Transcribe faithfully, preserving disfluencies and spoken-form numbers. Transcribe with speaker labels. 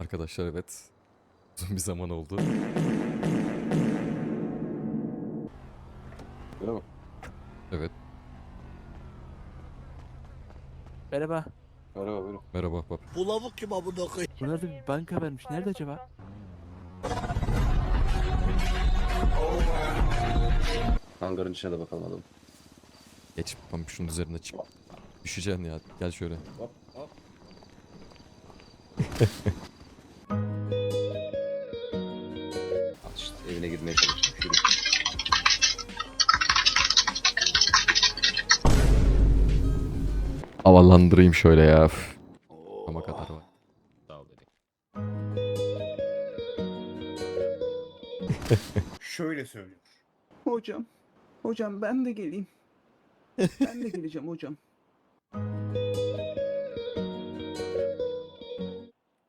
Speaker 1: Arkadaşlar evet. Uzun bir zaman oldu.
Speaker 2: Merhaba.
Speaker 1: Evet.
Speaker 3: Merhaba.
Speaker 2: Merhaba buyurun.
Speaker 1: Merhaba ahbap.
Speaker 4: Bu lavuk kim amına koyayım?
Speaker 3: Buralarda bir banka vermiş. Nerede acaba?
Speaker 2: Hangarın içine de bakalım adam.
Speaker 1: Geç tam şunun üzerine çık. Düşeceksin ya. Gel şöyle.
Speaker 2: Hop hop. Al işte evine girmeye çalışmış. Yürü.
Speaker 1: Havalandırayım şöyle ya. Üf. Ama kadar var.
Speaker 2: Sağ ol dedi. Şöyle söylüyor.
Speaker 5: Hocam, hocam ben de geleyim. Ben de geleceğim hocam.